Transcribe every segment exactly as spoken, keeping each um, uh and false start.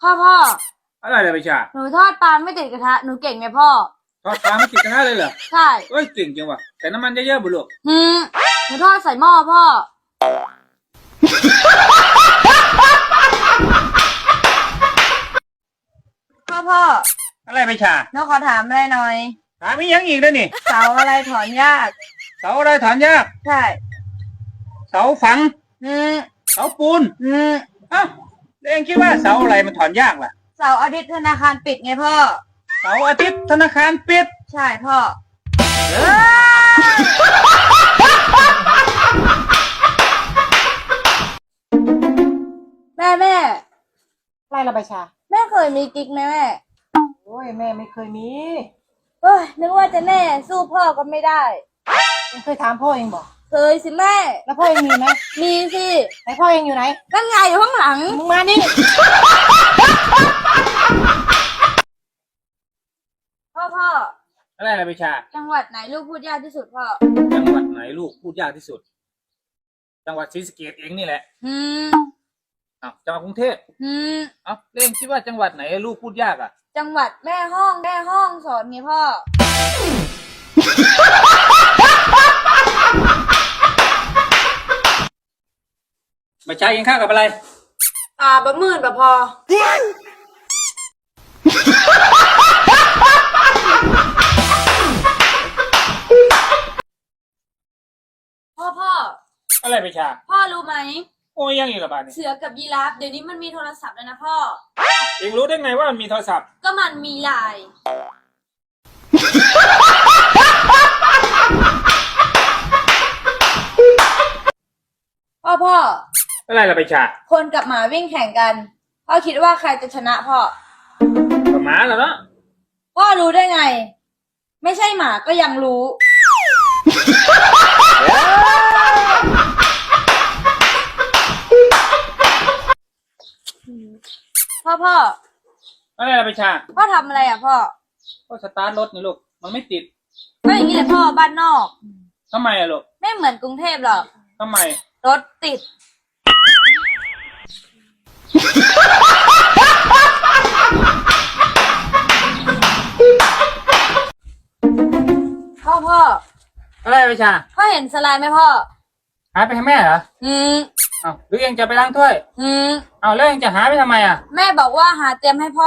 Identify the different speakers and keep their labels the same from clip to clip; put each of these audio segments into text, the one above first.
Speaker 1: พ่อพ่อ
Speaker 2: อะไรเลยไปชา
Speaker 1: หนูทอดปลาไม่ติดกระทะหนูเก่งไหมพ่อ
Speaker 2: ทอดปลาไม่ติดกระทะเลยเหรอ
Speaker 1: ใช่
Speaker 2: เอ้ยเก่งจังวะแต่น้ำมันเยอะๆบุลูก
Speaker 1: หืมหนูทอดใส่หม้อพ่อพ่อพ่อ
Speaker 2: อะไรไปชา
Speaker 1: หนูขอถามอะไรหน่อย
Speaker 2: ถามมียังอีกด้วยนี่
Speaker 1: เสาอะไรถอนยาก
Speaker 2: เสาอะไรถอนยาก
Speaker 1: ใช่
Speaker 2: เสาฝัง
Speaker 1: อืม
Speaker 2: เสาปูน
Speaker 1: อืม
Speaker 2: อ้าวแล้วเองคิดว่าเสาอะไรมันถอนยากล่ะ
Speaker 1: เสาร์อาทิตย์ธนาคารปิดไงพ่อ
Speaker 2: เสาร์อาทิตย์ธนาคารปิด
Speaker 1: ใช่พ่อแม่แม่
Speaker 3: ไรละใบชา
Speaker 1: แม่เคยมีกิ๊กไหมแม่
Speaker 3: โอ้ยแม่ไม่เคยมี
Speaker 1: เฮ้ยนึกว่าจะแน่สู้พ่อก็ไม่ได้
Speaker 3: ยังเคยถามพ่อเองบอก
Speaker 1: เคยสิแม่
Speaker 3: แล้วพ่อเองมีไหม
Speaker 1: มีสิ
Speaker 3: ไหนพ่อเองอยู่ไหน
Speaker 1: นั่นไงอยู่ข้างหลัง
Speaker 3: มึงมานี่
Speaker 1: พ่อพ่อ
Speaker 2: อะไรอะไรไปชา
Speaker 1: จังหวัดไหนลูกพูดยากที่สุดพ่อ
Speaker 2: จังหวัดไหนลูกพูดยากที่สุดจังหวัดศรีสะเกษเองนี่แหละ
Speaker 1: อืม
Speaker 2: อ้าวจังหวัดกรุงเทพ
Speaker 1: อืม
Speaker 2: อ้าวเล่นคิดว่าจังหวัดไหนลูกพูดยากอ่ะ
Speaker 1: จังหวัดแม่ห้องแม่ห้องสอนไงพ่อ
Speaker 2: ไม่ใช่กินข้าวกับอะไร
Speaker 1: อ่าบะหมื่นบะพอพ่อพ่อ
Speaker 2: อะไรไปชา
Speaker 1: พ่อรู้ไหม
Speaker 2: โอ้ยยังอีกละบาทนี่
Speaker 1: เสือกับยีราฟเดี๋ยวนี้มันมีโทรศัพท์แล้วนะพ่อ
Speaker 2: เองรู้ได้ไงว่ามันมีโทรศัพท์
Speaker 1: ก็มันมีไลน์พ่อพ่อ
Speaker 2: อะไรล่ะไปชา
Speaker 1: คนกับหมาวิ่งแข่งกันพ่อคิดว่าใครจะชนะพ่อ
Speaker 2: กับหมาเหรอเนาะ
Speaker 1: พ่อรู้ได้ไงไม่ใช่หมาก็ยังรู้พ่อพ่อ
Speaker 2: อะไรล่ะไปชา
Speaker 1: พ่อทำอะไรอ่ะพ่อ
Speaker 2: ก็สตาร์ทรถนี่ลูกมันไม่ติด
Speaker 1: ก็อย่างนี้แหละพ่อบ้านนอก
Speaker 2: ทำไมอะลูก
Speaker 1: ไม่เหมือนกรุงเทพหรอก
Speaker 2: ทำไม
Speaker 1: รถติดพ่อพ่อ
Speaker 2: อะไรไปชา
Speaker 1: พ่อเห็นสไลด์ไหมพ่อ
Speaker 2: หาไปให้แม่เหรอ
Speaker 1: อืม
Speaker 2: อ้าวหรือเองจะไปล้างถ้วย
Speaker 1: อืม
Speaker 2: อ้าวแล้วเองจะหาไปทำไมอ่ะ
Speaker 1: แม่บอกว่าหาเตรียมให้พ่อ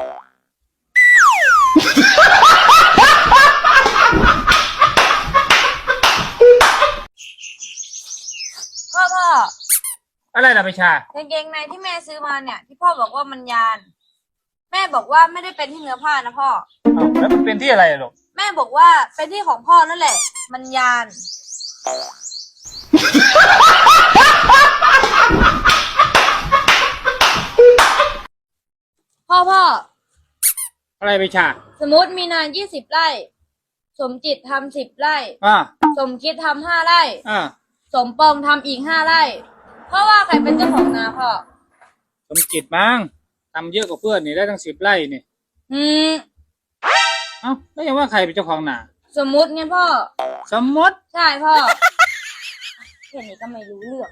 Speaker 1: พ่อพ่อ
Speaker 2: อะไรล่ะไปชาก
Speaker 1: างเกงในที่แม่ซื้อมาเนี่ยที่พ่อบอกว่ามันยานแม่บอกว่าไม่ได้เป็นที่เนื้อผ้านะพ่อ
Speaker 2: อ้าวแล้วมันเป็นที่อะไรลูก
Speaker 1: แม่บอกว่าเป็นที่ของพ่อนั่นแหละมันยานพ่อพ่อ
Speaker 2: อะไรไปชา
Speaker 1: สมมติมีนายี่สิบไร่สมจิตทำสิบไร่
Speaker 2: อ่า
Speaker 1: สมคิดทำห้าไร่
Speaker 2: อ่า
Speaker 1: สมปองทำอีกห้าไร่เพราะว่าใครเป็นเจ้าของนาพ่อ
Speaker 2: สมจิตมั้งทำเยอะกว่าเพื่อนนี่ได้ตั้งสิบไร่นี่
Speaker 1: อืม
Speaker 2: เอ้าแล้วยังว่าใครเป็นเจ้าของนา
Speaker 1: สมมุติไงพ่อ
Speaker 2: สมมติ
Speaker 1: ใช่พ่อแค่นี้ก็ไม่รู้เรื่อง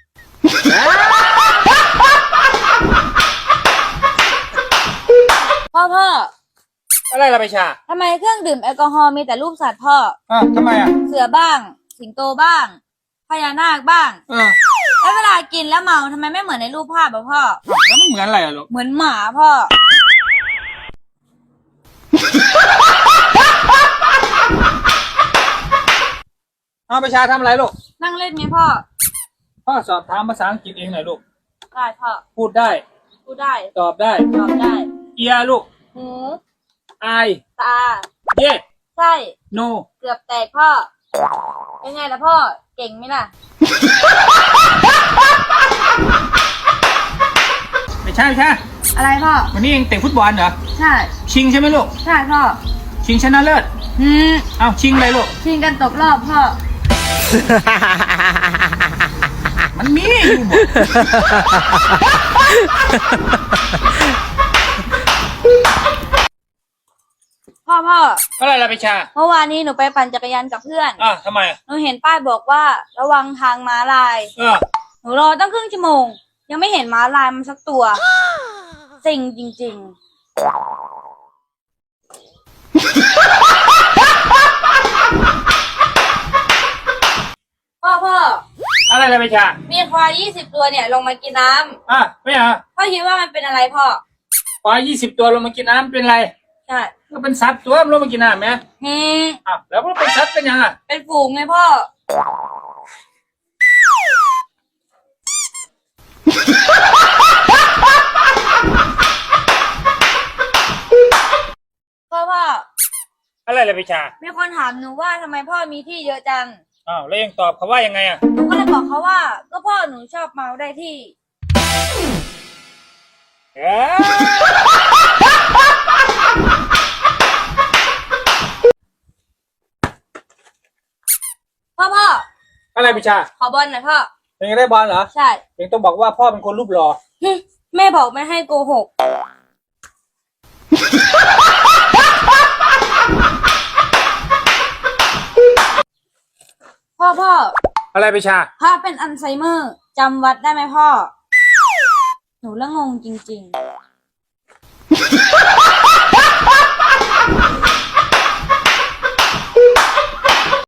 Speaker 1: พ่อพ่อ
Speaker 2: อะไรล่ะไปชา
Speaker 1: ทำไมเครื่องดื่มแอลกอฮอล์มีแต่รูปสัตว์พ่อ
Speaker 2: อ่าทำไมอ่ะ
Speaker 1: เสือบ้างสิงโตบ้างพญานาคบ้าง
Speaker 2: เออ
Speaker 1: แล้วเวลากินแล้วเมาทำไมไม่เหมือนในรูปภาพอ่ะพ่อ
Speaker 2: แล้วมันเหมือนอะไรอ่ะลูก
Speaker 1: เหมือนหมาพ่อ
Speaker 2: เอาไปชาทำอะไรลูก
Speaker 1: นั่งเล่นไงพ่อ
Speaker 2: พ่อสอบถามภาษาอังกฤษเองหน่อยลูก
Speaker 1: ได้พ่อ
Speaker 2: พูดได้
Speaker 1: พูดได้
Speaker 2: ตอบได้
Speaker 1: ตอบได้
Speaker 2: เอียลูก
Speaker 1: หู
Speaker 2: ไอาย
Speaker 1: ตา
Speaker 2: เย่
Speaker 1: ใช่
Speaker 2: โน
Speaker 1: เกือบแตกพ่อเป็นไงล่ะพ่อเก่งไหมล่ะ
Speaker 2: ไม่ใช่ไม่ใช่
Speaker 1: อะไรพ่อ
Speaker 2: วันนี้เองเตะฟุตบอลเหรอ
Speaker 1: ใช่
Speaker 2: ชิงใช่ไหมลูก
Speaker 1: ใช่พ่อ
Speaker 2: ชิงชนะเลิศ
Speaker 1: อืม
Speaker 2: เอาชิงเลยลูก
Speaker 1: ชิงกันตกรอบพ่อ
Speaker 2: มันมีอยู่หมด
Speaker 1: พ่อพ่อ
Speaker 2: อะไรล่ะไปชา
Speaker 1: เมื่อวานนี้หนูไปปั่นจักรยานกับเพื่อน
Speaker 2: อ่ะทำไม
Speaker 1: หนูเห็นป้ายบอกว่าระวังทางม้าลาย
Speaker 2: เออ
Speaker 1: หนูรอตั้งครึ่งชั่วโมงยังไม่เห็นม้าลายมันสักตัวเซ็งจริงๆ พ่อพ่อ
Speaker 2: อะไรเลยไปชา
Speaker 1: มีควายยี่สิบตัวเนี่ยลงมากินน้ำ
Speaker 2: อ่ะไม่เหรอ
Speaker 1: พ่อคิดว่ามันเป็นอะไรพ่อ
Speaker 2: ควายยี่สิบตัวลงมากินน้ำเป็นไร
Speaker 1: ใช่
Speaker 2: ก็เป็นสัตว์ตัวมันลงมากินน้ำไหม
Speaker 1: อืม
Speaker 2: อ่ะแล้วมันเป็นสัตว์เป็นยังอ่ะ
Speaker 1: เป็นฝูงไงพ่อ พ่อพ่อ
Speaker 2: อะไรเลยไปชา
Speaker 1: มีคนถามหนูว่าทำไมพ่อมีที่เยอะจัง
Speaker 2: อ้าวแล้วยังตอบเขาว่ายังไงอ่ะ
Speaker 1: หนูก็เลยบอกเขาว่า ก็พ่อหนูชอบเมาได้ที่
Speaker 2: เอ้ย
Speaker 1: พ่อพ่อ
Speaker 2: อะไรไปชา
Speaker 1: ขอบอลหน่อยพ่อ
Speaker 2: ยังได้บอลเหรอ
Speaker 1: ใช่
Speaker 2: ยังต้องบอกว่าพ่อเป็นคนรูปหล่อ
Speaker 1: หึแม่บอกไม่ให้โกหก พ่อพ่อ
Speaker 2: อะไรไปชา
Speaker 1: ถ้าเป็นอัลไซเมอร์จำวัดได้ไหมพ่อ หนูละงงจริงๆ